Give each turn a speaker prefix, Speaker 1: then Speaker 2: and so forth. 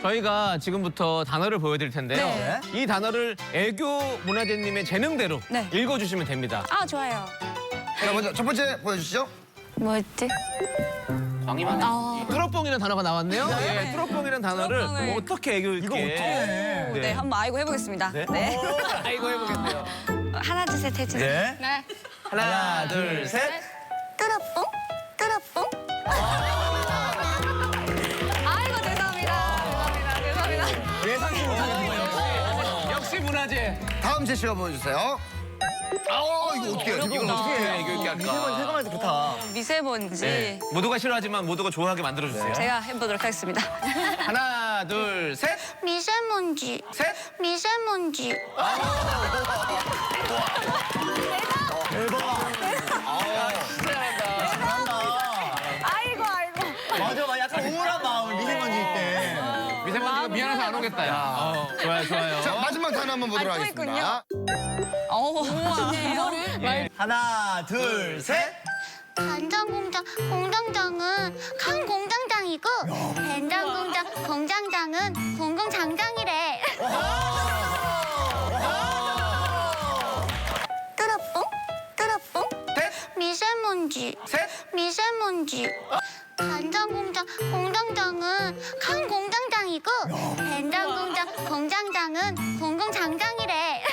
Speaker 1: 저희가 지금부터 단어를 보여드릴 텐데요.
Speaker 2: 네.
Speaker 1: 이 단어를 애교 문화재님의 재능대로
Speaker 2: 네.
Speaker 1: 읽어주시면 됩니다.
Speaker 2: 아, 좋아요.
Speaker 3: 자, 먼저 첫 번째 보여주시죠.
Speaker 2: 뭐였지?
Speaker 1: 광희만 뚜러뽕이라는 단어가 나왔네요. 예, 뚜러뽕이라는 단어를
Speaker 2: 뚜러뽕을.
Speaker 1: 어떻게 애교 있게.
Speaker 2: 네, 한번 아이고 해보겠습니다. 네.
Speaker 1: 아이고 해보겠네요.
Speaker 2: 하나, 둘, 셋 해주세요.
Speaker 3: 네.
Speaker 1: 하나, 둘, 셋.
Speaker 2: 뚜러뽕? 뚜러뽕? 아이고, 죄송합니다. 죄송합니다.
Speaker 3: 예상치 못하는 거예요.
Speaker 1: 역시 문화재.
Speaker 3: 다음 제시가 보여주세요. 이거 어떻게 해요?
Speaker 1: 이건 어떻게 해야 애교 있게 할까?
Speaker 3: 세감한테 좋다.
Speaker 2: 미세먼지.
Speaker 1: 네. 모두가 싫어하지만 모두가 좋아하게 만들어주세요.
Speaker 2: 제가 해보도록 하겠습니다.
Speaker 1: 하나, 둘, 셋.
Speaker 2: 미세먼지.
Speaker 1: 셋.
Speaker 2: 미세먼지. 아이고.
Speaker 4: 맞아, 약간 우울한 마음, 미세먼지 때.
Speaker 1: 미세먼지가 미안해서 안 오겠다, 야. 좋아요.
Speaker 3: 자, 마지막 단어 한번 보도록
Speaker 2: 또
Speaker 3: 하겠습니다.
Speaker 2: 이거를?
Speaker 4: 하나, 둘, 셋.
Speaker 5: 간장공장 공장장은 간 공장장이고 된장공장 공장장은 공공장장이래. 뚜러뽕 뚜러뽕
Speaker 1: 셋.
Speaker 5: 미세먼지
Speaker 1: 셋.
Speaker 5: 미세먼지. 간장공장 공장장은 간 공장장이고 된장공장 공장장은 공공장장이래.